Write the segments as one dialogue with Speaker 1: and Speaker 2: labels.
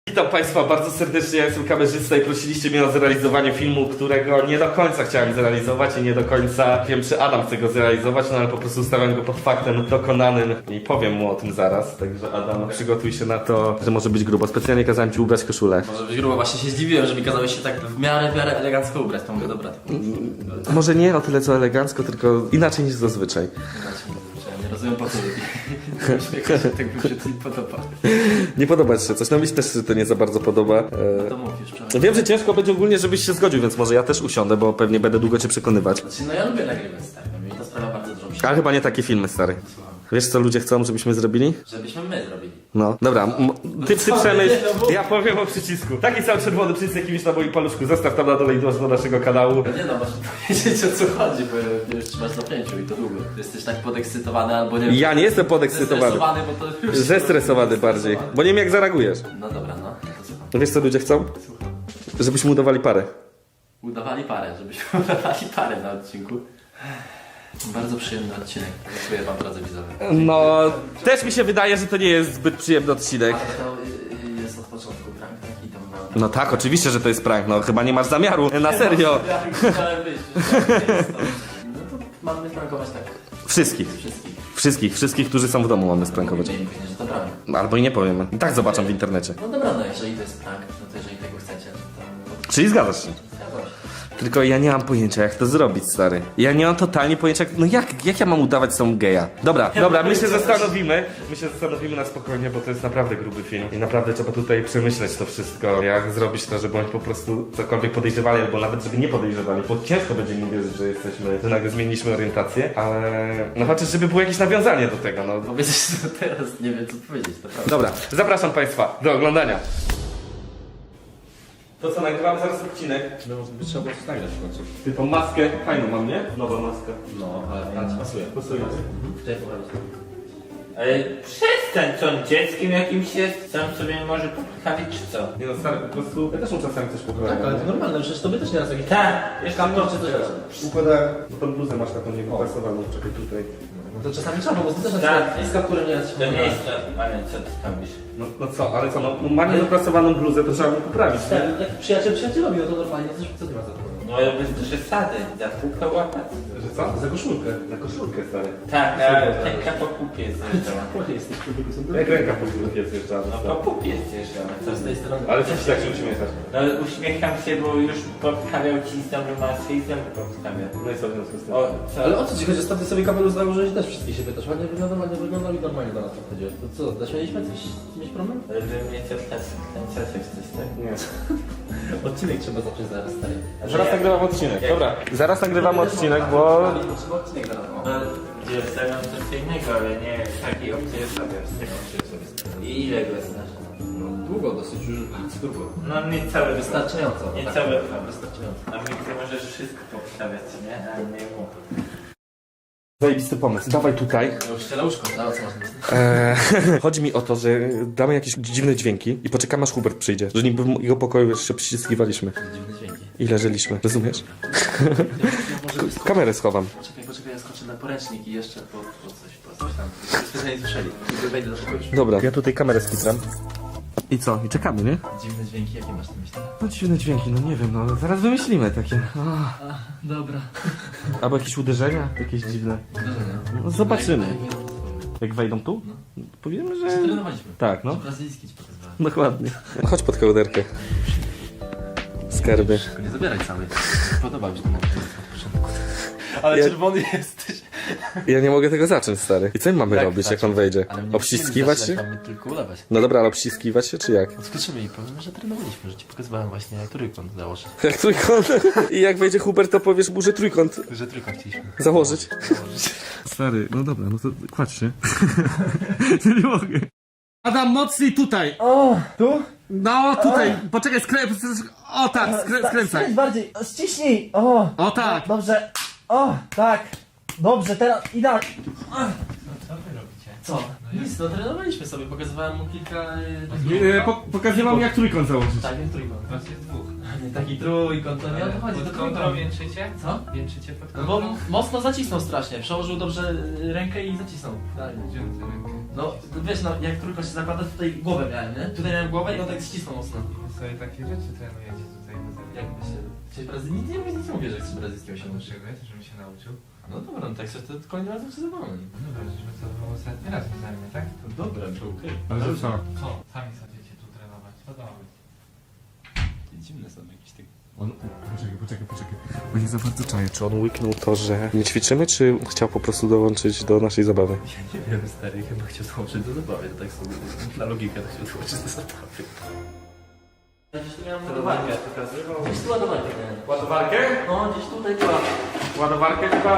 Speaker 1: Witam Państwa bardzo serdecznie, ja jestem kamerzysta i prosiliście mnie o zrealizowanie filmu, którego nie do końca chciałem zrealizować i nie do końca wiem, czy Adam chce go zrealizować, no ale po prostu stawiam go pod faktem dokonanym i powiem mu o tym zaraz. Także Adam, przygotuj się na to, że może być grubo. Specjalnie kazałem Ci ubrać koszulę.
Speaker 2: Może być grubo, właśnie się zdziwiłem, że mi kazałeś się tak w miarę elegancko ubrać, to mówię, dobra.
Speaker 1: Może nie o tyle co elegancko, tylko inaczej niż zazwyczaj.
Speaker 2: Nie rozumiem po co uśmiecha się, tak mi się to nie podoba.
Speaker 1: Nie podoba Ci się coś, no mi się też to nie za bardzo podoba.
Speaker 2: To mów już wczoraj.
Speaker 1: Wiem, że ciężko będzie ogólnie, żebyś się zgodził, więc może ja też usiądę, bo pewnie będę długo Cię przekonywać.
Speaker 2: Znaczy, no ja lubię nagrywać, tak, no mi to sprawia bardzo dużo przyjemności.
Speaker 1: Ale chyba nie takie filmy, stary. Wiesz co ludzie chcą, żebyśmy zrobili?
Speaker 2: Żebyśmy my zrobili.
Speaker 1: No, dobra, ty przemyśl, ja powiem o przycisku. Taki sam czerwony przycisk jakimś na moim paluszku. Zostaw tam na dole i dąż do naszego kanału.
Speaker 2: No nie no, masz powiedzieć o co chodzi, bo już trzymasz na pięciu i to długo. Ty jesteś tak podekscytowany albo nie wiem.
Speaker 1: Ja nie jestem podekscytowany.
Speaker 2: Zestresowany, bo to już...
Speaker 1: Zestresowany bardziej, bo nie wiem jak zareagujesz.
Speaker 2: No dobra, no, to słucham.
Speaker 1: No wiesz co ludzie chcą?
Speaker 2: Słucham.
Speaker 1: Żebyśmy udawali parę.
Speaker 2: Udawali parę, żebyśmy udawali parę na odcinku. Bardzo przyjemny odcinek. Dziękuję wam, drodzy widzowie.
Speaker 1: No, też mi się wydaje, że to nie jest zbyt przyjemny odcinek.
Speaker 2: Ale to jest od początku prank taki tam ma...
Speaker 1: No tak, oczywiście, że to jest prank, no chyba nie masz zamiaru, na serio.
Speaker 2: Chciałem być, że to jest to. No to mamy prankować tak
Speaker 1: Wszystkich,
Speaker 2: wszystkich.
Speaker 1: wszystkich, którzy są w domu mamy sprankować.
Speaker 2: Nie później, że to prank.
Speaker 1: Albo i nie powiemy. I tak zobaczą w internecie.
Speaker 2: No dobra, no jeżeli to jest prank, no to jeżeli tego chcecie, to...
Speaker 1: Czyli zgadzasz się?
Speaker 2: Zgadzam się.
Speaker 1: Tylko ja nie mam pojęcia jak to zrobić, stary. Ja nie mam totalnie pojęcia, no jak ja mam udawać są geja? Dobra, my się zastanowimy. My się zastanowimy na spokojnie, bo to jest naprawdę gruby film. I naprawdę trzeba tutaj przemyśleć to wszystko. Jak zrobić to, żeby oni po prostu cokolwiek podejrzewali, albo nawet żeby nie podejrzewali. Bo ciężko będzie mi wierzyć, że jesteśmy, że nagle zmieniliśmy orientację, ale no chociaż żeby było jakieś nawiązanie do tego, no.
Speaker 2: Powiedzieć to teraz, nie wiem co powiedzieć, to prawda.
Speaker 1: Dobra, zapraszam Państwa do oglądania. To co, nagrywamy zaraz odcinek.
Speaker 2: No, by trzeba było coś nagrać w końcu.
Speaker 1: Ty tą maskę fajną mam, nie? Nowa maska.
Speaker 2: No, ale pan ci pasuje.
Speaker 1: Pasuje.
Speaker 2: Tutaj poprawić.
Speaker 3: Ale przestań, co on dzieckiem jakimś jest? Sam sobie może poprawić, czy co?
Speaker 1: Nie no stary, po prostu ja też mu czasami coś poprawiam.
Speaker 2: Tak, ale to normalne, przecież tobie też nieraz jakieś...
Speaker 3: Tak, jeszcze
Speaker 2: Kamper
Speaker 3: to,
Speaker 2: czy coś raz.
Speaker 1: Układałem. No tą bluzę masz taką niewyprasowaną, czekaj tutaj.
Speaker 2: No to czasami trzeba, bo ty też
Speaker 3: Tak.
Speaker 2: na przykład z kapturem nieraz się
Speaker 3: to nie jest to, ale co ty robisz?
Speaker 1: No co, ale co, no ma niewyprasowaną bluzę, to trzeba mu poprawić,
Speaker 2: Tak,
Speaker 1: nie?
Speaker 2: jak przyjacielowi, no to normalnie, no co ty masz za to?
Speaker 3: No ale bez przesady, za półkę łapać.
Speaker 1: Że co? Za koszulkę. Za koszulkę, stary.
Speaker 3: Tak, a ręka po kupie zjeżdżała.
Speaker 2: Jesteś
Speaker 1: Jak ręka po prostu jest jeszcze.
Speaker 3: No po kupie zjeżdżała.
Speaker 2: Co z tej strony?
Speaker 1: Ale co ci tak się uśmiechasz?
Speaker 3: No uśmiecham się, bo już podstawiał ci znowu masę i znowu podstawiał.
Speaker 1: No i co w związku z tym?
Speaker 3: O, co?
Speaker 2: Ale o co ci chodzi? Ostatnio sobie kamerę założyłeś, też wszystkie się pytasz. Ładnie wyglądał i normalnie do nas podchodziłeś. To co, zaśmieliśmy coś? Mieć problem?
Speaker 3: Ale wy mnie co wkręcacie w coś, tak?
Speaker 1: Nie.
Speaker 2: Odcinek trzeba zacząć zaraz, stary.
Speaker 1: Zaraz nagrywam odcinek, dobra. Zaraz nagrywamy odcinek, bo...
Speaker 2: Trzeba odcinek zaraz.
Speaker 3: No, ja stawiam coś innego, ale nie takiej opcji nie stawiam. I ile go znasz?
Speaker 2: Długo, dosyć już bardzo długo.
Speaker 3: No niecałe
Speaker 2: Wystarczająco.
Speaker 3: Niecałe
Speaker 2: Wystarczająco.
Speaker 3: A mi ty możesz wszystko postawiać, nie? A nie mu.
Speaker 1: Zajebisty pomysł, dawaj tutaj.
Speaker 2: Ja już ściela łóżko, no co masz na myśli?
Speaker 1: Chodzi mi o to, że damy jakieś dziwne dźwięki i poczekamy aż Hubert przyjdzie. Że niby w jego pokoju już się przyciskiwaliśmy
Speaker 2: Dziwne dźwięki.
Speaker 1: i leżeliśmy, rozumiesz? Kamerę schowam.
Speaker 2: Poczekaj, ja skoczę na poręcznik i jeszcze po coś tam. Wszyscy nie słyszeli. Wejdę do pokoju.
Speaker 1: Dobra, ja tutaj kamerę skitram. I co? I czekamy, nie?
Speaker 2: Dziwne dźwięki, jakie masz na myśli?
Speaker 1: No dziwne dźwięki, no nie wiem, no zaraz wymyślimy takie.
Speaker 2: Dobra.
Speaker 1: Albo jakieś uderzenia, jakieś dziwne. No zobaczymy. Jak wejdą tu? Powiemy, że...
Speaker 2: Trenowaliśmy.
Speaker 1: Tak, no.
Speaker 2: Brazylijski ci pokazywałem.
Speaker 1: Dokładnie. Chodź pod kołderkę. Skarby.
Speaker 2: Tylko nie zabieraj całej. Podoba mi się to od początku. Ale
Speaker 1: Ja-
Speaker 2: czerwony jesteś.
Speaker 1: Ja nie mogę tego zacząć, stary. I co my mamy
Speaker 2: Jak
Speaker 1: robić, jak
Speaker 2: zacząć?
Speaker 1: on wejdzie?
Speaker 2: Ale mnie
Speaker 1: Obściskiwać
Speaker 2: nie
Speaker 1: się?
Speaker 2: Mamy tylko ulewać.
Speaker 1: No dobra, ale obściskiwać się, czy jak?
Speaker 2: Skoczymy i powiemy, że trenowaliśmy, że ci pokazywałem właśnie jak trójkąt założyć.
Speaker 1: Jak trójkąt. I jak wejdzie Hubert, to powiesz mu, że trójkąt
Speaker 2: Że trójkąt chcieliśmy
Speaker 1: założyć.
Speaker 2: założyć.
Speaker 1: Stary, no dobra, no to kładź się. Nie mogę. Adam, mocniej tutaj!
Speaker 4: O, tu?
Speaker 1: No, tutaj! Poczekaj, O tak, skręcaj!
Speaker 4: Skręć bardziej, ściśnij! O,
Speaker 1: O tak!
Speaker 4: dobrze. O, tak. Dobrze, teraz idealnie.
Speaker 3: Co wy robicie?
Speaker 2: Co? No nic, no trenowaliśmy sobie, pokazywałem mu kilka...
Speaker 1: Pokazywałem jak trójkąt założyć.
Speaker 2: Tak, jak trójkąt.
Speaker 3: Was jest dwóch.
Speaker 2: Nie taki trójkąt, to nie o to chodzi, to
Speaker 3: Pod kontrą
Speaker 2: trójkąt.
Speaker 3: wieńczycie?
Speaker 2: Co?
Speaker 3: Wieńczycie pod
Speaker 2: No
Speaker 3: kontrą?
Speaker 2: bo mocno zacisnął strasznie, przełożył dobrze rękę i zacisnął. Dalej.
Speaker 3: Wziąłem tę rękę.
Speaker 2: No, wiesz, no, jak tylko się zakłada, tutaj głowę miałem, nie? Tutaj miałem głowę i on tak ścisnął mocno.
Speaker 3: Sobie takie rzeczy trenujecie tutaj na zewnątrz.
Speaker 2: Jakby się... Chciałeś nic nie mówię, że chcesz brazylijskiego się nauczyć.
Speaker 3: Potrzebuję, żebym się nauczył.
Speaker 2: No dobra, no tak coś to kolejnym razem się zabawmy.
Speaker 3: No dobra, żeśmy to było ostatni raz wzajemnie, tak? To
Speaker 2: Dobra, to okej.
Speaker 3: Ale że co? Co? Sami chcecie tu trenować. Co to ma być?
Speaker 2: Dziwne są jakieś takie...
Speaker 1: Poczekaj. Bo nie za bardzo czaję. Czy on łyknął to, że nie ćwiczymy, czy chciał po prostu dołączyć do naszej zabawy?
Speaker 2: Ja nie wiem, stary, chyba chciał dołączyć do zabawy, to tak sobie na logikę to chciał dołączyć do zabawy. Ja gdzieś tu miałem ładowarkę. Gdzieś tu ładowarkę miałem.
Speaker 1: Ładowarkę?
Speaker 2: No, gdzieś tutaj była.
Speaker 1: Ładowarkę chyba...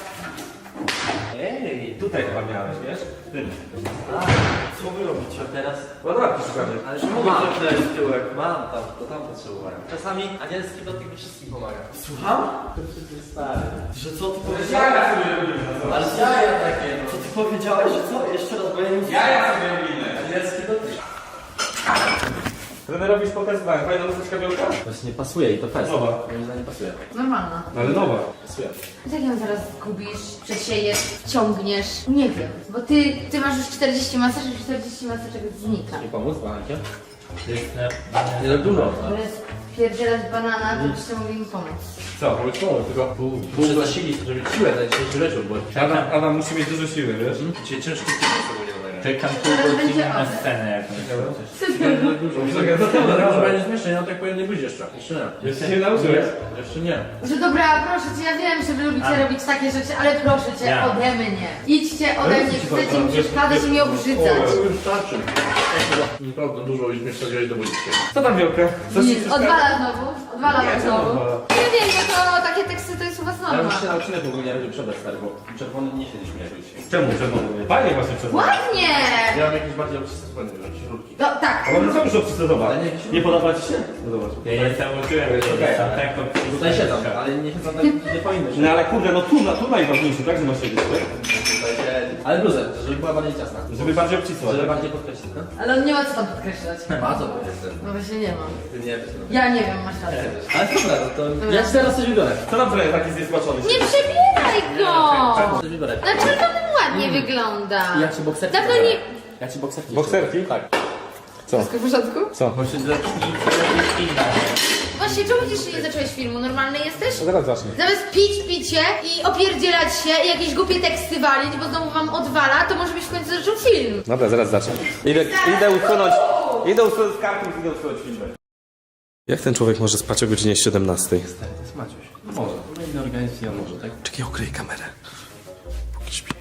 Speaker 1: Ej, tutaj chyba miałeś, wiesz?
Speaker 2: Co wy robicie? A teraz?
Speaker 1: Ładowarki szukamy.
Speaker 2: Ale że mogę zrobić tyłek. Mam tam, to tam potrzebowałem. Czasami anielski dotyk mi wszystkim pomaga. Słucham? To przecież stary. Że co ty powiedziałeś?
Speaker 1: Jaja sobie robimy na zobacz.
Speaker 2: Ale jaja takie, no. Co ty powiedziałeś, że co? Jeszcze raz, bo ja nie
Speaker 1: Jaja sobie robimy.
Speaker 2: Anielski dotyk.
Speaker 1: Trenerowi już pokazywałem. Fajna luseczka białka?
Speaker 2: Właśnie pasuje i to fest.
Speaker 1: Nowa.
Speaker 2: Moim zdaniem pasuje.
Speaker 5: Normalna.
Speaker 1: Ale nowa.
Speaker 2: Pasuje.
Speaker 5: Jak ją zaraz zgubisz, przesiejesz, wciągniesz? Nie wiem, bo ty masz już 40 masaż i 40 masażek znika.
Speaker 2: Nie pomóc bankiem? Nie tak dużo.
Speaker 5: Ale spierdzielać banana, to byście mogli mi pomóc.
Speaker 1: Co?
Speaker 2: Tylko muszę zasilić, żeby siłę dać dzisiejszy wieczór, bo
Speaker 1: Adam musi mieć dużo siły, wiesz?
Speaker 2: dzisiaj ciężko sobie nie
Speaker 3: Czekam pół
Speaker 5: Teraz będzie
Speaker 3: godziny na
Speaker 5: oddech.
Speaker 3: scenę jakąś.
Speaker 2: No będzie zmieszczeń, no tak powinien nie być jeszcze. Jeszcze nie.
Speaker 1: Jeszcze się nauczyłeś?
Speaker 2: Jeszcze nie.
Speaker 5: Że dobra, proszę cię, ja wiem, że wy lubicie robić takie rzeczy, ale proszę cię,
Speaker 3: Ja.
Speaker 5: ode mnie. Idźcie ode mnie, chcecie mi przeszkadzać i mnie obrzydzać.
Speaker 2: To już starczy. Naprawdę dużo już mnie wsadziłeś do budziki.
Speaker 1: Co tam białka? Co
Speaker 5: Nic, odwala znowu, odwala
Speaker 1: Nie,
Speaker 5: wam znowu.
Speaker 1: odwala.
Speaker 5: Nie wiem, no to takie teksty to jest u was
Speaker 2: Ja
Speaker 5: norma.
Speaker 2: muszę się nauczyć w ogóle nie robić przebrać, stary, bo czerwony nie siedzi mi jakoś.
Speaker 1: Czemu? Fajnie właśnie przez
Speaker 5: Ładnie!
Speaker 2: Ja mam jakieś bardziej obcisłe, śrubki.
Speaker 5: No tak.
Speaker 1: Ale no co muszę przystosować? Nie podoba ci się? No zobacz.
Speaker 3: Ja je założyłem,
Speaker 2: Okej.
Speaker 3: tak
Speaker 2: Tutaj siedzą, ale nie siedzą tak, nie powinny się.
Speaker 1: No ale kurde, no tu najważniejsze, tak? Że masz siedzieć, tak?
Speaker 2: Tutaj siedzi. Ale bluzę, żeby była bardziej ciasna.
Speaker 1: Żeby bardziej obcisła,
Speaker 2: Żeby
Speaker 1: tak?
Speaker 2: bardziej podkreślić, no?
Speaker 5: Ale on nie ma co tam podkreślać.
Speaker 2: Ma co powiedzmy.
Speaker 5: No właśnie nie ma.
Speaker 2: Ty nie wiesz, no.
Speaker 5: Ja nie wiem, masz rację.
Speaker 2: Ale dobra, no to ja ci teraz coś wybiorę.
Speaker 1: Co tam trochę taki zniesmaczony?
Speaker 5: Nie przebieraj go!
Speaker 2: Coś wybiorę.
Speaker 5: Na czerwonym ładnie wygląda.
Speaker 2: Ja ci bokserki
Speaker 5: Dawno
Speaker 2: wybiorę.
Speaker 5: nie...
Speaker 2: Ja ci bokserki.
Speaker 1: Bokserki?
Speaker 2: Tak.
Speaker 5: Wszystko w porządku?
Speaker 1: Co?
Speaker 2: Bo się
Speaker 5: Właśnie, czemu jeszcze nie zacząłeś filmu? Normalny jesteś?
Speaker 1: No zaraz zacznę.
Speaker 5: Zamiast pić picie i opierdzielać się i jakieś głupie teksty walić, bo znowu wam odwala, to może byś w końcu zaczął film.
Speaker 1: Dobra, zaraz zacznę. Idę usunąć kartów, idę usunąć filmy. Jak ten człowiek może spać o godzinie 17?
Speaker 2: To jest Maciuś. No może. No inny organizm nie może, tak?
Speaker 1: Czekaj, okryj kamerę. Póki śpi.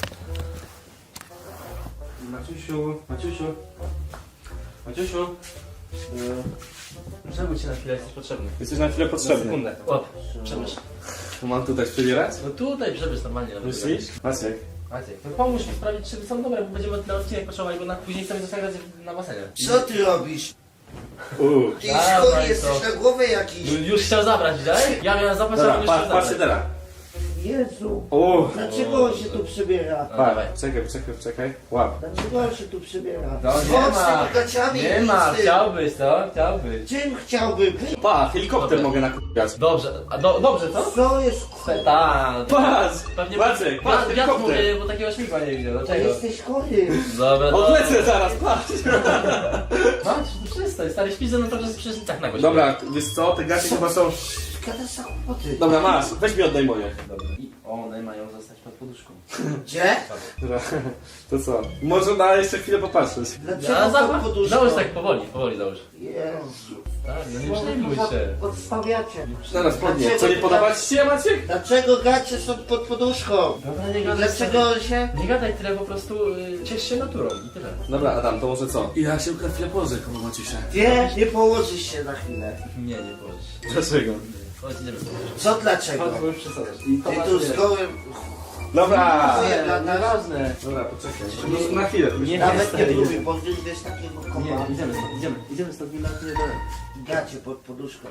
Speaker 2: Maciusiu. Przebudź się na chwilę, jesteś potrzebny.
Speaker 1: Jesteś na chwilę
Speaker 2: Na
Speaker 1: potrzebny.
Speaker 2: sekundę. Łap. Przemyśl.
Speaker 1: Mam tutaj przebierać?
Speaker 2: No tutaj przemyśl normalnie. na chwilę.
Speaker 1: Myślisz? Maciek.
Speaker 2: Maciek, no pomóż mi sprawdzić, czy są dobre, bo będziemy na odcinek potrzebowali, bo później chcemy zagrać na basenie.
Speaker 6: Co ty robisz? Ty
Speaker 2: Dawaj
Speaker 6: chory
Speaker 2: to.
Speaker 6: jesteś na głowę jakiś.
Speaker 2: Już chciał zabrać, widziałeś? Ja miałem zabrać, a on już chciał zabrać.
Speaker 1: teraz.
Speaker 6: Jezu,
Speaker 1: O,
Speaker 6: dlaczego on się tu przybiera?
Speaker 2: No, dawaj.
Speaker 1: czekaj. Łap.
Speaker 6: Dlaczego on się tu przybiera?
Speaker 2: No,
Speaker 6: Chodź
Speaker 2: nie
Speaker 6: z
Speaker 2: ma.
Speaker 6: tymi gaciami
Speaker 2: Nie ma,
Speaker 6: z tym.
Speaker 2: chciałbyś, co? Chciałbyś.
Speaker 6: Czym chciałby?
Speaker 1: Pa, helikopter mogę nakupiać.
Speaker 2: Dobrze, a dobrze, co?
Speaker 6: Co jest?
Speaker 2: Tak.
Speaker 1: Patrz!
Speaker 2: Pewnie
Speaker 1: Maciek,
Speaker 2: ja
Speaker 1: helikopter.
Speaker 2: mówię, bo takiego śmigła nie widział,
Speaker 6: Ty
Speaker 2: dlaczego?
Speaker 6: jesteś chory.
Speaker 2: Dobra,
Speaker 1: Odlecę zaraz, patrz!
Speaker 2: Masz, przestań, stary, śpisz ze mną trochę przecież i tak na gościu.
Speaker 1: Dobra, wiesz co, te gacie chyba są...
Speaker 6: Gadasz za kłopoty.
Speaker 1: Dobra, masz, weź mi oddaj moje. Dobra.
Speaker 2: I one mają zostać pod poduszką.
Speaker 6: Gdzie?
Speaker 1: Dobra, to co? Może na jeszcze chwilę popatrzeć.
Speaker 6: Dlaczego pod poduszką?
Speaker 2: Załóż tak powoli załóż.
Speaker 6: Jezu.
Speaker 2: Tak, no nie przejmuj się.
Speaker 6: Odstawiacie.
Speaker 1: Zaraz podnie. Co, nie podoba ci się, Maciek?
Speaker 6: Dlaczego gacie są pod poduszką?
Speaker 2: Dobra, nie gadaj.
Speaker 6: Dlaczego się...
Speaker 2: Nie gadaj tyle, po prostu ciesz się naturą i tyle.
Speaker 1: Dobra, Adam, to może co? Ja się na chwilę położę, koło Maciusia.
Speaker 6: Nie położysz się na chwilę.
Speaker 2: Nie powiesz.
Speaker 1: Dlaczego?
Speaker 2: Chodź, idziemy sobie.
Speaker 6: Co dlaczego?
Speaker 2: Chodź, bo już przesadzasz.
Speaker 6: Ty tu z gołym...
Speaker 1: Dobra!
Speaker 6: Nie,
Speaker 2: Nieważne.
Speaker 1: Dobra, poczekaj. No, na chwilę.
Speaker 2: Nie,
Speaker 6: Nawet nie
Speaker 2: stary,
Speaker 6: próbuj, bo wyjdziesz takiego kopa.
Speaker 2: Nie, idziemy stąd, nie dole.
Speaker 6: Gacie pod poduszką.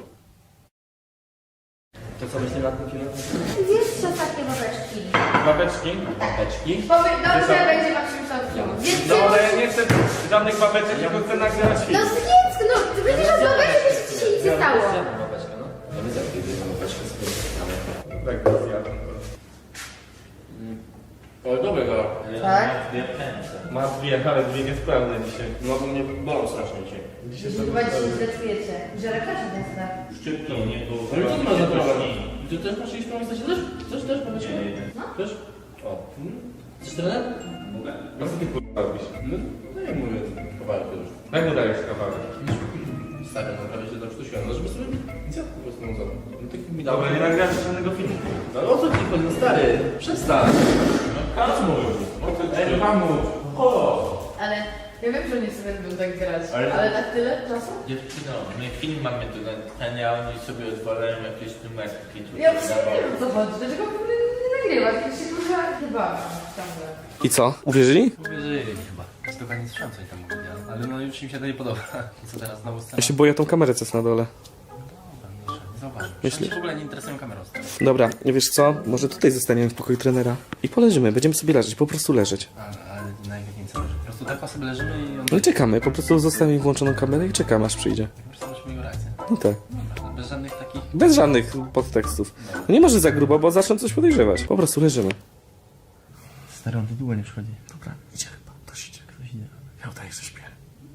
Speaker 2: To co myślimy nad tym filmem?
Speaker 5: Wiesz co, takie babeczki.
Speaker 1: Babeczki?
Speaker 2: Babeczki?
Speaker 5: Dobrze będzie waszym szokiem. Więc
Speaker 1: No ale ja nie chcę żadnych babeczek, tylko chcę nagrywać
Speaker 5: no
Speaker 1: film.
Speaker 5: zjedz, no ty będziesz od babeczek, żeby ci się nic nie stało.
Speaker 2: Zjadłem babeczkę, no. Ja widzę, jak jedną babeczkę z tym.
Speaker 1: Tak, to zjadam.
Speaker 2: Ale dobre to.
Speaker 5: Tak?
Speaker 1: Ma ale dwie niespełne dzisiaj.
Speaker 2: No bo mnie bolą strasznie dzisiaj.
Speaker 1: Dzisiaj
Speaker 5: Chyba dzisiaj zdecydujecie, że lekarze nas
Speaker 3: Szczypnął, nie było.
Speaker 2: Ale to nie ma za problem. Ty też masz iść pomóc też? Też powiedzmy?
Speaker 5: No.
Speaker 2: Też? O. Chcesz trener?
Speaker 3: Mogę.
Speaker 1: A co ty kurwa robisz?
Speaker 2: No jak mówię, kawałek już.
Speaker 1: Jak mu dajesz kawałek?
Speaker 2: Stary, no prawie się tam sztusiłem, no żeby sobie inicjatywę po prostu nazywał. No tak mi dało.
Speaker 1: Dobra, nie nagrałem żadnego filmu.
Speaker 2: No o co ci chodzi, no stary? Przestań.
Speaker 3: Kamuś!
Speaker 2: Ej, Kamuś!
Speaker 5: Ale ja wiem, że nie sobie będą tak grać,
Speaker 3: Ale-
Speaker 5: ale tak tyle czasu?
Speaker 3: Dziewczyno, my film mamy do nagrania, a oni sobie odwalają jakieś numerki.
Speaker 5: Ja właśnie nie wiem o co chodzi, dlaczego nie nagrywać, ja się kurwa chyba ciągle.
Speaker 1: I co? Uwierzyli?
Speaker 2: Uwierzyli chyba. Tylko nie słyszałem, co oni tam mówili, ale no już mi się to nie podoba. I co teraz, znowu scena?
Speaker 1: Ja się boję tą kamerę, co jest na dole.
Speaker 2: Nie zauważył.
Speaker 1: Myślisz?
Speaker 2: Oni się w ogóle nie interesują kamerą. stary.
Speaker 1: Dobra, nie wiesz co? Może tutaj zostaniemy w pokoju trenera. I poleżymy, będziemy sobie leżeć, po prostu leżeć.
Speaker 2: Ale na jakim celu? Po prostu tak sobie leżymy i on...
Speaker 1: No i czekamy, po prostu zostawimy włączoną kamerę i czekamy aż przyjdzie.
Speaker 2: Po prostu musimy jego reakcję.
Speaker 1: No tak.
Speaker 2: Dobra, bez żadnych takich...
Speaker 1: Bez żadnych podtekstów. No nie może za grubo, bo zaczną coś podejrzewać. Po prostu leżymy.
Speaker 2: Stary, on tu długo nie przychodzi.
Speaker 1: Dobra, idzie chyba, ktoś idzie.
Speaker 2: Ktoś idzie.
Speaker 1: Ja udaję, że śpię.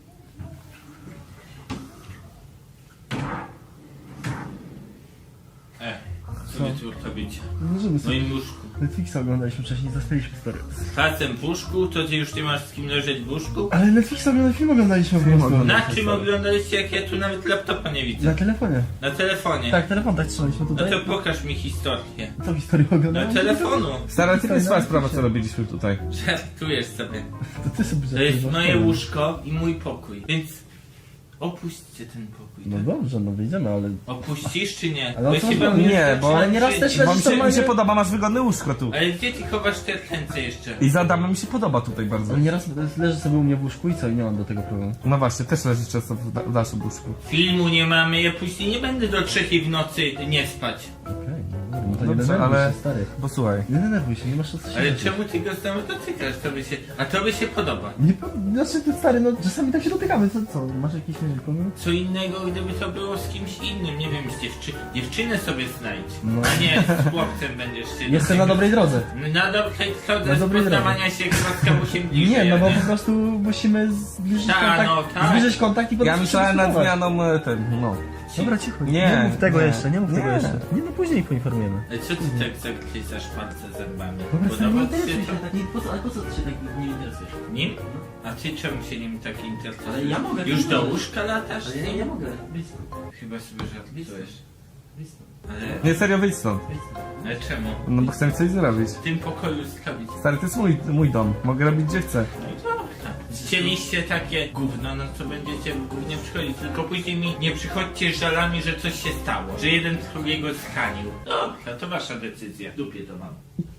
Speaker 3: Co wy tu robicie?
Speaker 2: Leżymy
Speaker 3: W moim łóżku.
Speaker 2: Netflixa oglądaliśmy wcześniej, zostaliśmy stary.
Speaker 3: Z facem w łóżku, to ty już nie masz z kim leżeć w łóżku?
Speaker 2: Ale Netflixa film oglądaliśmy po prostu.
Speaker 3: Na czym oglądaliście, jak ja tu nawet laptopa nie widzę?
Speaker 2: Na telefonie.
Speaker 3: Na telefonie.
Speaker 2: Tak, telefon tak trzymaliśmy
Speaker 3: No
Speaker 2: tutaj.
Speaker 3: to pokaż mi historię.
Speaker 2: Co historię
Speaker 3: Na
Speaker 2: oglądałem?
Speaker 3: telefonu.
Speaker 1: Stara, ty jest swoja sprawa, co robiliśmy tutaj.
Speaker 3: Żartujesz sobie.
Speaker 2: To ty sobie
Speaker 3: To jest
Speaker 2: żartujesz,
Speaker 3: moje
Speaker 2: no.
Speaker 3: łóżko i mój pokój. Więc opuśćcie ten pokój.
Speaker 2: No
Speaker 3: tak?
Speaker 2: dobrze, no wyjdziemy, ale...
Speaker 3: Opuścisz czy nie?
Speaker 2: Ale o
Speaker 3: Bo
Speaker 2: co
Speaker 3: się
Speaker 2: chodzi?
Speaker 3: wam
Speaker 1: Nie, bo-
Speaker 2: Ale nieraz też leżysz normalnie...
Speaker 1: podoba, masz wygodne łóżko tu.
Speaker 3: Ale gdzie ty chowasz te ręce jeszcze?
Speaker 1: I za Adamem mi się podoba tutaj bardzo.
Speaker 2: Ale nieraz leży sobie u mnie w łóżku i co? I nie mam do tego problemu.
Speaker 1: No właśnie, też leży często w naszym łóżku.
Speaker 3: Filmu nie mamy, ja później nie będę do 3 w nocy nie spać.
Speaker 2: Okej, no to nie
Speaker 1: Dobrze,
Speaker 2: denerwuj
Speaker 1: ale-
Speaker 2: się, stary.
Speaker 1: Bo słuchaj.
Speaker 2: Nie denerwuj się, nie masz co się
Speaker 3: Ale
Speaker 2: martwić.
Speaker 3: czemu ty go znowu dotykasz? A tobie się podoba.
Speaker 2: Nie, znaczy ty stary, no czasami tak się dotykamy, co? Masz jakiś problem?
Speaker 3: Co innego, gdyby to było z kimś innym, nie wiem, z dziewczynę sobie znajdź.
Speaker 2: No.
Speaker 3: A nie, z chłopcem będziesz się
Speaker 2: Jestem na dobrej drodze.
Speaker 3: Na dobrej drodze
Speaker 2: Na
Speaker 3: z
Speaker 2: dobrej
Speaker 3: poznawania się chyba się bliżej.
Speaker 2: Nie, no bo
Speaker 3: nie?
Speaker 2: po prostu musimy zbliżyć
Speaker 3: Tak,
Speaker 2: kontakt,
Speaker 3: no, tak.
Speaker 2: zbliżyć kontakt i potem
Speaker 1: Ja
Speaker 2: się
Speaker 1: myślałem nad
Speaker 2: spróbować.
Speaker 1: zmianą ten, no.
Speaker 2: Dobra, cicho.
Speaker 1: Nie,
Speaker 2: mów tego
Speaker 1: nie.
Speaker 2: jeszcze, nie mów tego
Speaker 1: Nie.
Speaker 2: jeszcze. Nie, no później poinformujemy.
Speaker 3: Ale co ty tak zakrysasz palce zębami?
Speaker 2: Dobra, stary, nie
Speaker 3: Podoba ci się
Speaker 2: interesuj
Speaker 3: to?
Speaker 2: się tak, ale po co ty się tak nie interesujesz?
Speaker 3: Nim? A ty czemu się nim tak interesujesz?
Speaker 2: Ale ja mogę,
Speaker 3: Już
Speaker 2: ty
Speaker 3: do
Speaker 2: możesz.
Speaker 3: łóżka latasz?
Speaker 2: Ale ja mogę, blisko.
Speaker 3: Chyba sobie żartujesz.
Speaker 2: Blisko.
Speaker 3: Ale,
Speaker 1: Nie, serio, wyjdź stąd.
Speaker 3: ale czemu?
Speaker 1: No bo chcę coś zrobić.
Speaker 3: W tym pokoju zrobić.
Speaker 1: Stary, to jest mój dom. Mogę robić gdzie chcę.
Speaker 3: No i dobra. Chcieliście takie gówno, no to będziecie w gównie przychodzić. Tylko później mi nie przychodźcie z żalami, że coś się stało. Że jeden drugiego zranił. Dobra, to wasza decyzja. W dupie to mam.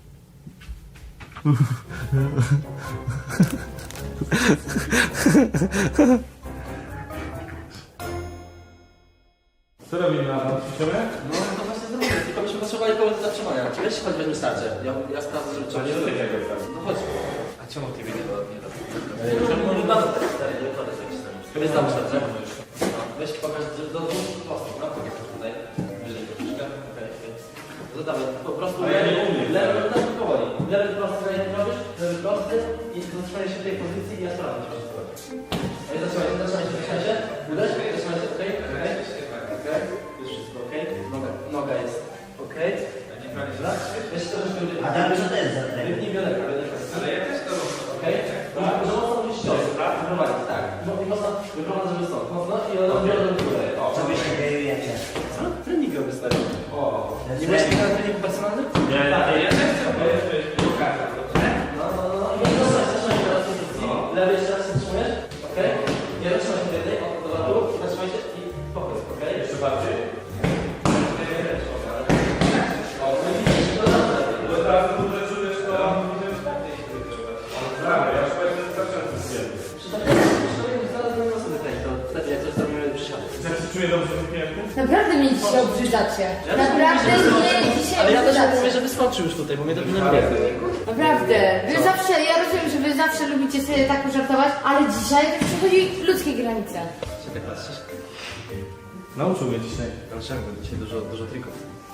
Speaker 1: Co robimy na tam?
Speaker 2: No to właśnie zrobię, tylko byśmy potrzebowali kogoś do zatrzymania. Weź chodź, weźmy starcie. Ja sprawdzę, żeby trzeba się No chodź.
Speaker 3: A czemu ty mnie nie robisz?
Speaker 2: Czemu nie mamy tak stary, nie wygląda jak się stary. Weź tam starcie. No, weź pokaż, że do dwóch prostych, no pokaż tutaj. Wyżej troszeczkę. Okej, okej. No dawaj, po prostu lewy, tak powoli. Lewy prosty, jak robisz, lewy prosty i zatrzymaj się w tej pozycji i ja sprawdzę, co się dzieje. Ej, zatrzymaj się. Uderz, zatrzymaj się, okej, okej. Okej, już wszystko okej. Noga jest okej. Dobra, weź się troszeczkę wyżej.
Speaker 6: A tam co to jest za ten?
Speaker 2: Wypnij bioderka. Ale ja też to robię. Okej? Że mocno musisz ciosy, tak? Wyprowadzić, tak. I mocno wyprowadzę, żeby stąd. Mocno i odbiorę do góry. O,
Speaker 6: Co wy się gejujecie?
Speaker 2: co? Trening robię stary. O. Nie byłeś nigdy na treningu personalnym?
Speaker 3: Ja też chcę.
Speaker 2: No. I zatrzymaj się teraz w pozycji. Lewy jeszcze raz się zatrzymujesz. Okej? Nie zatrzymaj się tutaj. O, do dół. Zatrzymaj się i pokój. Okej? Jeszcze bardziej.
Speaker 5: Naprawdę mnie dzisiaj obrzydzacie. Naprawdę mnie dzisiaj
Speaker 2: Ale ja też
Speaker 5: obrzydzacie.
Speaker 2: mówię, żeby skoczył już tutaj, bo mnie to denerwuje.
Speaker 5: Naprawdę. Wy zawsze, ja rozumiem, że wy zawsze lubicie sobie tak pożartować, ale dzisiaj to przechodzi ludzkie granice.
Speaker 2: Się tak patrzysz?
Speaker 1: Nauczył mnie dzisiaj.
Speaker 2: Dlaczego? Dzisiaj dużo trików.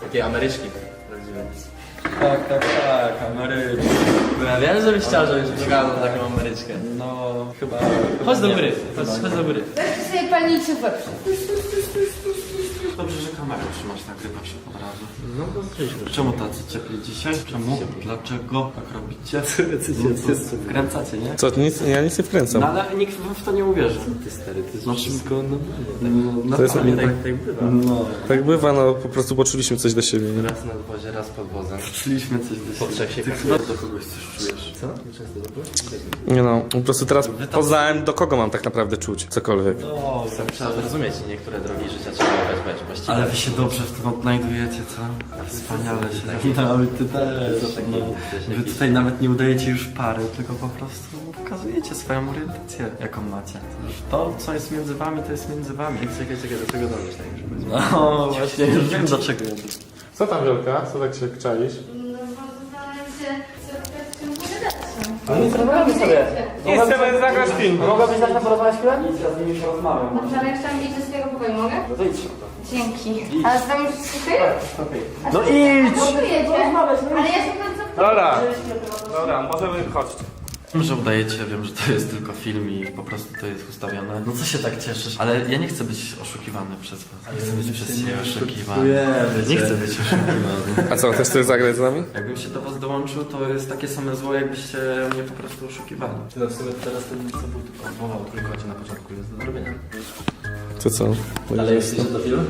Speaker 2: Takie Ameryczki.
Speaker 7: Tak, Ameryczki.
Speaker 2: Ja wiem, żebyś chciał, żebyś wyglądał taką Ameryczkę.
Speaker 7: No, chyba...
Speaker 2: Chodź do góry, chodź do góry.
Speaker 5: Weźcie sobie palnicę w łeb.
Speaker 7: Dobrze, że kamerę trzymasz, nagrywasz od razu.
Speaker 2: No to zbliżmy.
Speaker 7: Czemu tacy ciepli dzisiaj? Czemu? Dlaczego tak robicie? Wkręcacie, nie?
Speaker 1: Co, ja nic nie wkręcam.
Speaker 7: No ale nikt w to nie uwierzy.
Speaker 2: Ty stary, ty
Speaker 7: No wszystko, no
Speaker 1: To jest-
Speaker 7: normalnie,
Speaker 2: tak bywa.
Speaker 7: No,
Speaker 1: Tak bywa, no po prostu poczuliśmy coś do siebie. Nie?
Speaker 2: Raz na dwozie, raz pod wozem.
Speaker 7: szliśmy coś do
Speaker 2: Po trzech się
Speaker 7: Ty chyba do kogoś coś czujesz.
Speaker 2: Co? Często to było?
Speaker 1: Nie no, po prostu teraz poznałem, do kogo mam tak naprawdę czuć, cokolwiek.
Speaker 7: No,
Speaker 2: Trzeba zrozumieć, niektóre drogi życia trzeba weź właściwie.
Speaker 7: ale wy się dobrze w tym odnajdujecie, co? Wspaniale się tak. Nawet ty też. No. Wy tutaj nawet nie udajecie już pary, tylko po prostu pokazujecie swoją orientację, jaką macie. To, co jest między wami, to jest między wami.
Speaker 2: Czekaj, do czego dążysz tak już będzie?
Speaker 7: No właśnie, już wiem do czego ja
Speaker 1: Co tam, Wielka? Co tak się czaisz?
Speaker 5: No bo zastanawiam się, co w tym pogadać.
Speaker 2: No nic, rozmawiamy sobie.
Speaker 1: Nie chcemy zagrać film.
Speaker 2: Mogłabyś na porozmawiać chwilę?
Speaker 7: Nic, ja z nimi już rozmawiam.
Speaker 5: Dobrze, ale jak chciałam iść do swojego pokoju, mogę?
Speaker 2: No to idź.
Speaker 5: Dzięki. Ale z wami już wszystko
Speaker 7: No idź!
Speaker 5: Ale ja się bardzo...
Speaker 1: Dobra, możemy chodzić.
Speaker 7: Wiem, że udajecie, wiem, że to jest tylko film i po prostu to jest ustawione. No co się tak cieszysz? Ale ja nie chcę być oszukiwany przez was. Nie chcę być przez ciebie oszukiwany. Nie chcę być oszukiwany.
Speaker 1: A co, też chcesz zagrać z nami?
Speaker 7: Jakbym się do was dołączył, to jest takie same zło, jakbyście mnie po prostu oszukiwali.
Speaker 2: No w sumie teraz ten co był tylko odwołał trójkocie na początku jest do zrobienia.
Speaker 1: To co?
Speaker 2: Ale jest jeszcze do filmu?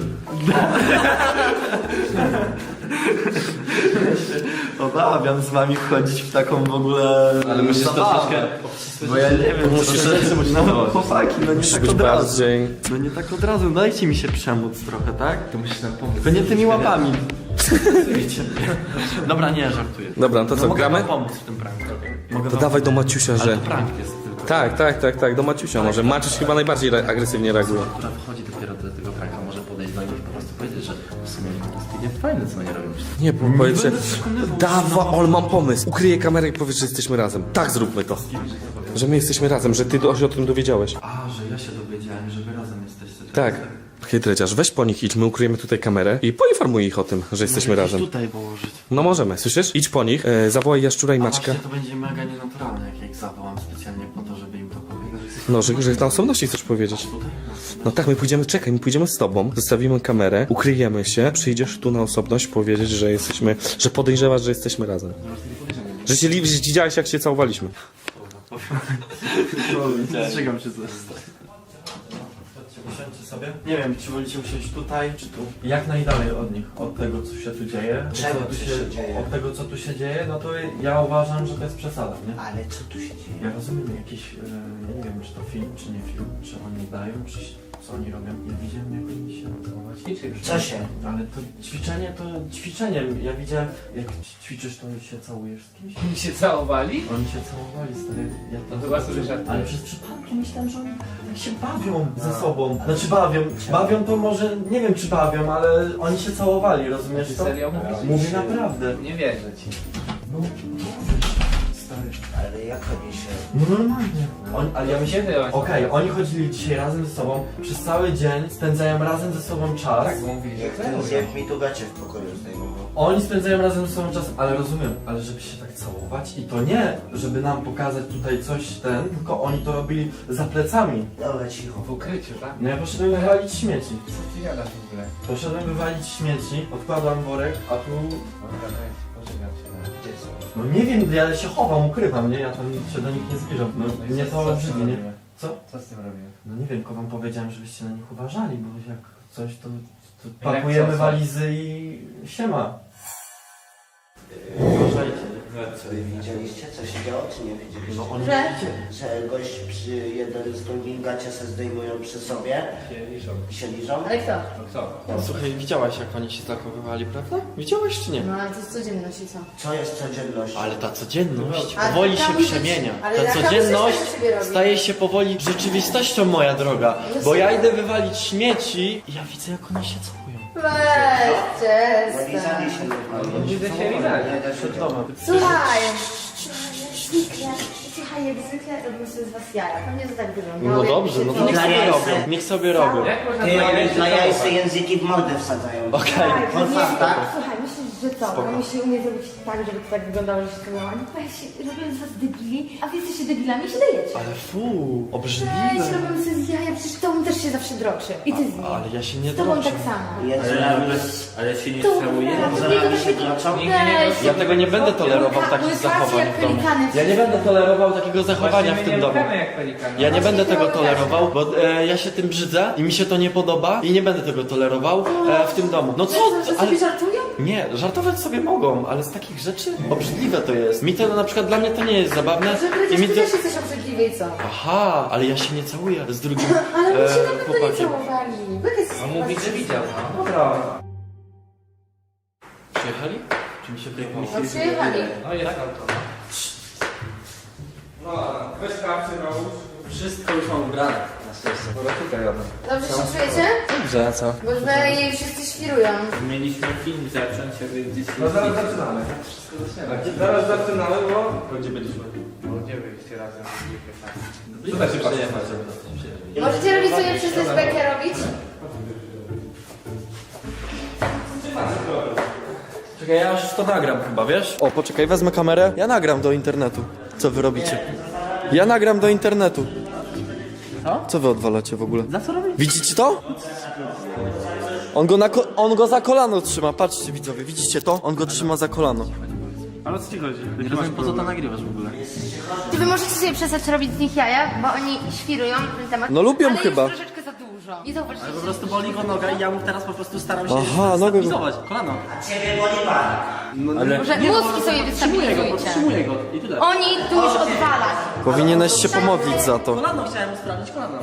Speaker 7: Obawiam z wami wchodzić w taką w ogóle
Speaker 2: Ale musisz to
Speaker 7: zabawę.
Speaker 2: troszkę...
Speaker 7: Bo ja nie wiem, no chłopaki, no nie
Speaker 1: Musisz
Speaker 7: tak
Speaker 1: być
Speaker 7: od razu.
Speaker 1: bardziej...
Speaker 7: No nie tak od razu, dajcie mi się przemóc trochę, tak?
Speaker 2: To musisz nam pomóc.
Speaker 7: Tylko nie tymi łapami. Wiecie. Dobra, nie, żartuję.
Speaker 1: Dobra, to co,
Speaker 7: mogę
Speaker 1: gramy?
Speaker 7: wam pomóc w tym pranku. Mogę
Speaker 1: To
Speaker 7: wam
Speaker 1: dawaj do
Speaker 7: pomóc.
Speaker 1: Maciusia,
Speaker 7: Ale
Speaker 1: że...
Speaker 7: to prank jest tylko.
Speaker 1: Tak, do Maciusia może. Maciuś chyba najbardziej agresywnie reaguje.
Speaker 2: Która wchodzi dopiero do tego pranka, może podejść do nich i po prostu powiedzieć, że w sumie jest nie fajne, co oni robią.
Speaker 1: Nie, bo powiedz, że...
Speaker 7: będę przekonywał,
Speaker 1: Dawa, ale mam pomysł. Ukryję kamerę i powiedz, że jesteśmy razem. Tak, zróbmy to. Że my jesteśmy razem, że ty się o tym dowiedziałeś.
Speaker 7: A, że ja się dowiedziałem, że wy razem jesteście.
Speaker 1: Tak. Chytreciarz, weź po nich idź, my ukryjemy tutaj kamerę i poinformuj ich o tym, że jesteśmy razem.
Speaker 7: Tutaj położyć.
Speaker 1: No możemy, słyszysz? Idź po nich, zawołaj Jaszczura i
Speaker 7: A
Speaker 1: Maćka.
Speaker 7: właśnie to będzie mega nienaturalne, jak ja ich zawołam specjalnie po to, żeby im to powiedzieć.
Speaker 1: No, że na osobności chcesz powiedzieć. No tak, my pójdziemy, czekaj, my pójdziemy z tobą, zostawimy kamerę, ukryjemy się, przyjdziesz tu na osobność powiedzieć, że jesteśmy, że podejrzewasz, że jesteśmy razem. Że się widziałeś, jak się całowaliśmy.
Speaker 7: Strzegam się coś. Usiądźcie sobie. Nie wiem, czy wolicie usiąść tutaj, czy tu. Jak najdalej od nich, od tego, co się tu dzieje.
Speaker 6: Czego
Speaker 7: Co tu
Speaker 6: tu się dzieje?
Speaker 7: Od tego, co tu się dzieje, no to ja uważam, że to jest przesada, nie?
Speaker 6: Ale co tu się dzieje?
Speaker 7: Ja rozumiem jakiś, ja nie wiem, czy to film, czy nie film, czy oni dają, czy co oni robią. Ja widziałem, jak oni się całować.
Speaker 6: Co się?
Speaker 7: Ale to ćwiczenie. Ja widziałem, jak ćwiczysz, to się całujesz z kimś.
Speaker 8: Oni się całowali?
Speaker 7: Oni się całowali, stary. Ja
Speaker 8: No chyba sobie żartujesz.
Speaker 7: ale przez przypadki myślałem, że oni tak się bawią ze sobą. Znaczy bawią to może, nie wiem czy bawią, ale oni się całowali, rozumiesz
Speaker 8: Ty
Speaker 7: to?
Speaker 8: serio mówisz?
Speaker 7: Mówię naprawdę.
Speaker 8: Nie wierzę ci.
Speaker 7: No, stary.
Speaker 6: Ale jak oni się...
Speaker 7: No normalnie. Ale ja myślę,
Speaker 8: Kiedy oni-
Speaker 7: okej, oni chodzili dzisiaj razem ze sobą, przez cały dzień spędzają razem ze sobą czas.
Speaker 8: Tak, bo mówili, że
Speaker 6: Jak mi tu gacie w pokoju zdejmował.
Speaker 7: Oni spędzają razem ze sobą czas, ale rozumiem, ale żeby się tak całować i to nie, żeby nam pokazać tutaj coś tylko oni to robili za plecami.
Speaker 6: Dobra, cicho.
Speaker 8: w ukryciu, tak?
Speaker 7: No ja poszedłem wywalić śmieci.
Speaker 8: Co ty gadasz w ogóle?
Speaker 7: Poszedłem wywalić śmieci, odkładam worek, a tu...
Speaker 8: Dobra, weź, poczekam się na gdzie są.
Speaker 7: No nie wiem, ja się chowam, ukrywam, nie? Ja tam się do nich nie zbliżam. No
Speaker 8: No i
Speaker 7: mnie
Speaker 8: co
Speaker 7: to
Speaker 8: z tym
Speaker 7: obrzydzi, nie?
Speaker 8: robimy?
Speaker 7: Co?
Speaker 8: Co z tym robimy?
Speaker 7: No nie wiem, tylko wam powiedziałem, żebyście na nich uważali, bo jak coś to
Speaker 8: Jak
Speaker 7: pakujemy
Speaker 8: co?
Speaker 7: walizy i siema. Uważajcie.
Speaker 6: Co wy widzieliście? Co się działo, czy nie widzieliście?
Speaker 7: No oni
Speaker 5: Że?
Speaker 6: Że gość przy jeden z drugim gacie se zdejmują przy sobie
Speaker 8: Się liczą.
Speaker 6: i się liżą?
Speaker 5: Ale kto?
Speaker 8: No kto?
Speaker 7: Słuchaj, widziałaś jak oni się zachowywali, prawda? Widziałaś czy nie?
Speaker 5: No ale to jest codzienność i co?
Speaker 6: Co jest codziennością?
Speaker 7: Ale ta codzienność
Speaker 5: Ale
Speaker 7: powoli
Speaker 5: taka
Speaker 7: się
Speaker 5: muzyka-
Speaker 7: przemienia.
Speaker 5: ale
Speaker 7: Ta
Speaker 5: taka
Speaker 7: codzienność
Speaker 5: muzyka sobie robi.
Speaker 7: staje się powoli rzeczywistością, moja droga. Bo ja idę wywalić śmieci i ja widzę jak oni się całują.
Speaker 5: Weź,
Speaker 6: No lizali
Speaker 5: przestań.
Speaker 6: się normalnie.
Speaker 8: Widzę się lizali.
Speaker 7: Przed domem.
Speaker 5: Słuchaj,
Speaker 9: Zniknę.
Speaker 5: przyjechali jak zwykle, robimy sobie z was jaja. Pewnie to tak wygląda.
Speaker 7: No dobrze, no to niech
Speaker 6: Dla
Speaker 7: sobie
Speaker 6: jajce.
Speaker 7: robią. Niech sobie robią.
Speaker 8: Jak można
Speaker 6: Ty,
Speaker 8: dla
Speaker 6: oni
Speaker 8: jajce
Speaker 6: dla
Speaker 8: to
Speaker 6: jajce
Speaker 8: robić?
Speaker 6: języki w mordę wsadzają.
Speaker 7: Okej.
Speaker 6: Wolfam, tak?
Speaker 5: Słuchaj, myślisz, że co? No musi umieć zrobić tak, żeby to tak wyglądało, że się to miało. Nie powiem się, robię z was debili, a wy jesteście debilami i się dajecie.
Speaker 7: Ale fu,
Speaker 5: Weź,
Speaker 7: obrzydliwe.
Speaker 5: robimy sobie z jaja, przecież tobą też się zawsze droczy. I ty z nim.
Speaker 7: Ale ja się nie
Speaker 5: Z tobą
Speaker 7: droczę.
Speaker 5: tak samo.
Speaker 6: Jezu,
Speaker 3: Ale się nie
Speaker 5: To
Speaker 3: całuje.
Speaker 6: się droczą?
Speaker 7: Ja tego nie będę tolerował takich zachowań w domu. Ja nie będę tolerował takiego zachowania w tym domu.
Speaker 8: Jak pelikany.
Speaker 7: Ja nie będę tego tolerował, bo ja się tym brzydzę i mi się to nie podoba i nie będę tego tolerował w tym domu. No co?
Speaker 5: Że
Speaker 7: Ale...
Speaker 5: sobie żartują?
Speaker 7: Nie, żartować sobie mogą, ale z takich rzeczy obrzydliwe to jest. Mi to na przykład, dla mnie to nie jest zabawne
Speaker 5: Że
Speaker 7: i
Speaker 5: przecież
Speaker 7: mi
Speaker 5: ty
Speaker 7: to...
Speaker 5: też jesteś obrzydliwy i co?
Speaker 7: Aha, ale ja się nie całuję z drugim
Speaker 5: Ale my się na pewno nie
Speaker 7: chłopakiem.
Speaker 5: całowali. Wy jesteście
Speaker 8: On mówi, że widział, no.
Speaker 7: Dobra. Przyjechali? Czy mi się wyjechało?
Speaker 5: No przyjechali.
Speaker 8: No jest auto.
Speaker 1: Weź kapcie na łóż.
Speaker 2: Wszystko już mam ubrane, na szczęście.
Speaker 8: Dobra, tutaj jadę.
Speaker 5: Dobrze się czujecie?
Speaker 8: Dobrze, a co?
Speaker 5: Bo już dalej wszyscy świrują.
Speaker 3: Mieliśmy film zacząć, ale gdzieś...
Speaker 1: No zaraz zaczynamy. Zaraz zaczynamy, bo... Gdzie byliśmy?
Speaker 8: No gdzie byliście razem?
Speaker 1: Co da się patrzeć?
Speaker 5: Możecie robić sobie przez tę bekę robić?
Speaker 7: Czekaj, ja już to nagram chyba, wiesz? O, poczekaj, wezmę kamerę. Ja nagram do internetu. Co wy robicie? Ja nagram do internetu. Co wy odwalacie w ogóle?
Speaker 2: Za co robisz?
Speaker 7: Widzicie to? On go za kolano trzyma, patrzcie widzowie, widzicie to? On go trzyma za kolano.
Speaker 2: Ale o co ci chodzi? Nie rozumiem, po co to nagrywasz w ogóle.
Speaker 5: Czy wy możecie sobie przestać robić z nich jaja, bo oni świrują na ten temat.
Speaker 7: No lubią
Speaker 5: ale
Speaker 7: chyba.
Speaker 5: jest troszeczkę za dużo. I zauważcie,
Speaker 2: Po prostu boli go noga i ja mu teraz po prostu staram się
Speaker 7: Aha, nogę-
Speaker 2: stabilizować. Kolano.
Speaker 6: Ciebie boli pan.
Speaker 5: może mózgi sobie wystabilizujcie.
Speaker 2: Podtrzymuję go i tyle.
Speaker 5: Oni tu już odwalać.
Speaker 7: Powinieneś się pomodlić za to.
Speaker 2: Kolano chciałem mu sprawdzić, kolano.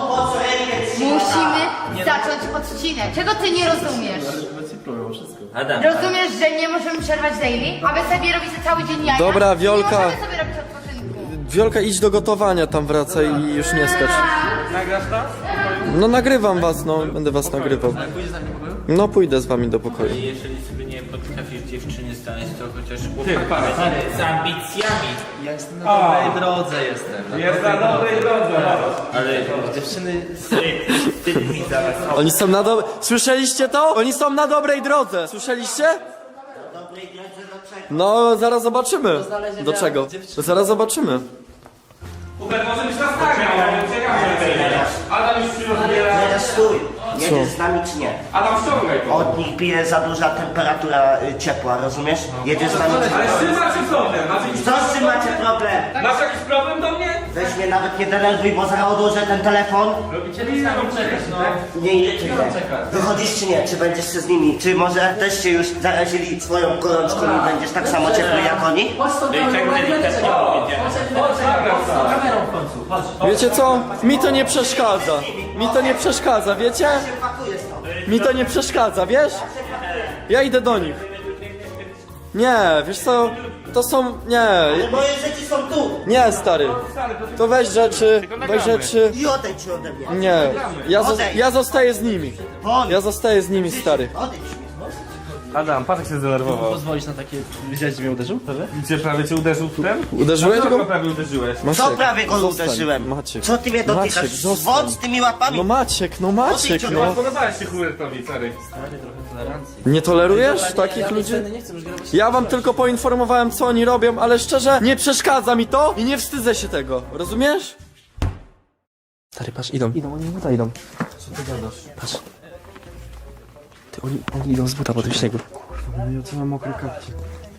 Speaker 5: Musimy zacząć odcinek. Czego ty nie rozumiesz?
Speaker 3: Adam,
Speaker 5: Rozumiesz, że nie możemy przerwać daily? A wy sobie robicie cały dzień jaja?
Speaker 7: Dobra, Wiolka.
Speaker 5: Nie możemy sobie robić odpoczynku.
Speaker 7: Wiolka, idź do gotowania tam wracaj i już nie skacz. No nagrywam was, no, będę was nagrywał.
Speaker 2: Pójdziesz za mnie do pokoju?
Speaker 7: No pójdę z wami do pokoju.
Speaker 3: jeżeli sobie nie potrafisz dziewczyny znaleźć, to chociaż chłopak z ambicjami.
Speaker 2: Ja jestem na dobrej drodze jestem.
Speaker 1: Jest na dobrej drodze.
Speaker 3: Ale dziewczyny wstydni za was.
Speaker 7: Oni są na dobrej... Słyszeliście to? Oni są na dobrej drodze. Słyszeliście? No, zaraz zobaczymy. Do czego? Zaraz zobaczymy.
Speaker 1: Hubert, może być nas nagrał, bo ciekawe. Adam już się rozbiera.
Speaker 6: Teraz stój. Jedziesz z nami czy nie?
Speaker 1: Adam, ściągaj to.
Speaker 6: Od nich bije za duża temperatura ciepła, rozumiesz? Jedziesz z nami czy
Speaker 1: Ale
Speaker 6: nie?
Speaker 1: z czym macie problem? Macie jakiś
Speaker 6: Co z czym macie problem?
Speaker 1: Masz jakiś problem do mnie?
Speaker 6: Weź mnie nawet nie denerwuj, bo zaraz odłożę ten telefon.
Speaker 2: Robicie to samo czekać, no.
Speaker 6: Nie irytuj mnie. Wychodzisz czy nie? Czy będziesz się z nimi? Czy może też się już zarazili swoją gorączką i będziesz tak samo ciepły jak oni?
Speaker 2: Chodź stąd,
Speaker 3: tak delikatnie
Speaker 2: chodź kamerą w końcu, chodź.
Speaker 7: Wiecie co? Mi to nie przeszkadza. Mi to nie przeszkadza, wiecie? Mi to nie przeszkadza, wiesz? Ja idę do nich. Nie, wiesz co? To są... Nie.
Speaker 6: Moje rzeczy są tu.
Speaker 7: Nie, stary. To weź rzeczy,
Speaker 6: I odejdź ode mnie.
Speaker 7: Nie. Ja zostaję z nimi.
Speaker 6: Won.
Speaker 7: Ja zostaję z nimi, stary.
Speaker 6: Odejdź.
Speaker 1: Adam, patrz jak się zdenerwował.
Speaker 2: Pozwolisz na takie... Widziałeś, że mnie uderzył?
Speaker 1: Gdzie prawie cię uderzył w ten?
Speaker 7: Uderzyłeś
Speaker 1: Dlaczego
Speaker 7: go?
Speaker 1: prawie uderzyłeś?
Speaker 6: Co prawie go
Speaker 7: zostań.
Speaker 6: uderzyłem?
Speaker 7: Maciek.
Speaker 6: Co ty mnie dotykasz?
Speaker 7: Maciek, zostań.
Speaker 6: Zwodź z tymi łapami.
Speaker 7: No Maciek, no.
Speaker 1: Podobałeś się Hubertowi, stary.
Speaker 7: Nie tolerujesz takich ludzi?
Speaker 2: Nie chcę już grać.
Speaker 7: Ja wam tylko poinformowałem, co oni robią, ale szczerze, nie przeszkadza mi to i nie wstydzę się tego. Rozumiesz?
Speaker 9: Stary, patrz, idą, oni z buta idą.
Speaker 7: Co ty gadasz?
Speaker 9: Patrz. Ty, oni idą z buta po tym śniegu.
Speaker 7: No ja co mam mokre kapcie.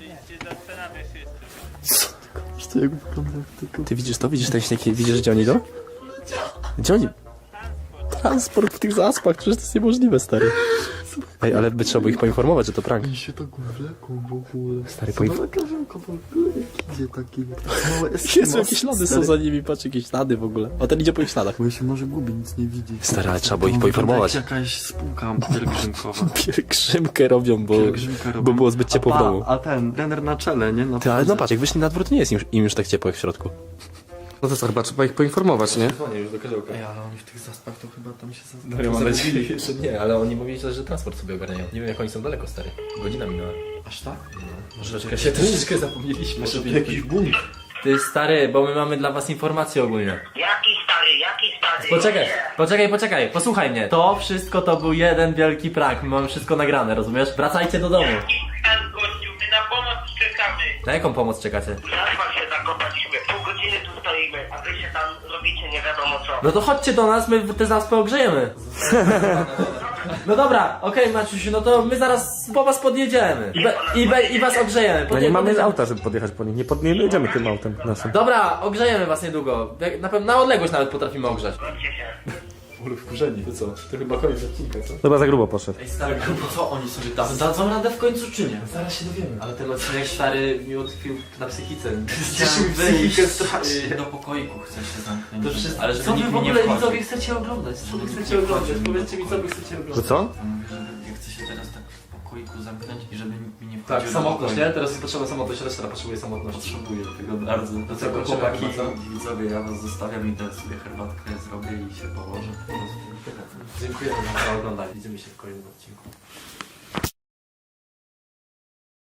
Speaker 7: Co jak wygląda tylko?
Speaker 9: Ty widzisz to? Widzisz ten śnieg? Widzisz, gdzie oni idą? Gdzie oni? Transport w tych zaspach, przecież to jest niemożliwe, stary. Ej, ale by trzeba było ich poinformować, że to prank.
Speaker 7: Mi się tak wleką w ogóle.
Speaker 9: Stary,
Speaker 7: Każemko w ogóle jak idzie taki małe
Speaker 9: Jezu, jakieś ślady są za nimi, patrz, jakieś ślady w ogóle. O, ten idzie po ich śladach.
Speaker 7: Bo się może gubi, nic nie widzi.
Speaker 9: Stary, ale trzeba było ich
Speaker 7: To wygląda
Speaker 9: poinformować.
Speaker 7: jak jakaś spółka pielgrzymkowa.
Speaker 9: Pielgrzymkę robią,
Speaker 7: Pielgrzymkę robią.
Speaker 9: bo było zbyt ciepło w domu.
Speaker 7: A ten, trener na czele, nie? Na
Speaker 9: Ty, ale no patrz, jak wyszli na dwór, to nie jest im już tak ciepło jak w środku.
Speaker 1: No to co, chyba trzeba ich poinformować, nie?
Speaker 9: Dzwonię już do Karzełka.
Speaker 7: Ej, ale oni w tych zaspach to chyba tam się
Speaker 9: No ja mam nadzieję, że nie, ale oni mówili, że transport sobie ogarniają. Nie wiem, jak oni są daleko, stary. Godzina minęła.
Speaker 7: Aż tak?
Speaker 9: Może troszeczkę zapomnieliśmy.
Speaker 7: Może jakiś bunt.
Speaker 9: Ty stary, bo my mamy dla was informacje ogólnie.
Speaker 6: Jaki stary?
Speaker 9: Poczekaj, posłuchaj mnie. To wszystko to był jeden wielki prank, my mamy wszystko nagrane, rozumiesz? Wracajcie do domu.
Speaker 10: Gościu, my na pomoc czekamy.
Speaker 9: Na jaką pomoc czekacie?
Speaker 6: Zaspa się zakopaliśmy. Pół godziny tu stoimy, a wy się tam robicie nie wiadomo co.
Speaker 9: No to chodźcie do nas, my te zaspy ogrzejemy. No dobra, okej Maciusiu, no to my zaraz po was podjedziemy. I was ogrzejemy.
Speaker 1: No nie mamy
Speaker 9: Podjedziemy.
Speaker 1: auta, żeby podjechać po nich. Nie jedziemy tym autem naszym.
Speaker 9: Dobra, ogrzejemy was niedługo. Na odległość nawet potrafimy ogrzać.
Speaker 6: Chodźcie się.
Speaker 9: Ule wkurzeni, to co? To chyba koniec odcinka, co?
Speaker 1: Chyba za grubo poszedł.
Speaker 7: Ej stary, no co oni sobie tam dadzą radę w końcu czy nie?
Speaker 9: Zaraz się dowiemy.
Speaker 7: Ale ten odcinek stary mi utkwił na psychice.
Speaker 9: Chciałem
Speaker 7: wyjść do pokoiku, chcę się zamknąć.
Speaker 9: To wszystko.
Speaker 7: Ale
Speaker 9: Co
Speaker 7: żeby
Speaker 9: wy
Speaker 7: nikt
Speaker 9: w
Speaker 7: mi nie
Speaker 9: ogóle
Speaker 7: wchodził.
Speaker 9: widzowie chcecie oglądać? Co wy chcecie oglądać? Powiedzcie mi, co wy chcecie
Speaker 1: Że
Speaker 9: oglądać.
Speaker 1: co?
Speaker 7: Mówię, że ja chcę się teraz tak w pokoiku zamknąć i żeby nikt mi nie wchodził.
Speaker 9: Tak,
Speaker 7: do
Speaker 9: samotność,
Speaker 7: pokoju.
Speaker 9: nie? Teraz jest potrzebna samotność, reszta potrzebuje samotność.
Speaker 7: Potrzebuję tego bardzo. Do
Speaker 9: co,
Speaker 7: tego
Speaker 9: kończymy
Speaker 7: chłopaki,
Speaker 9: chyba, co?
Speaker 7: widzowie, ja was zostawiam i teraz sobie herbatkę zrobię i się położę. Po prostu tyle.
Speaker 9: Dziękujemy za oglądanie. Widzimy się w kolejnym odcinku.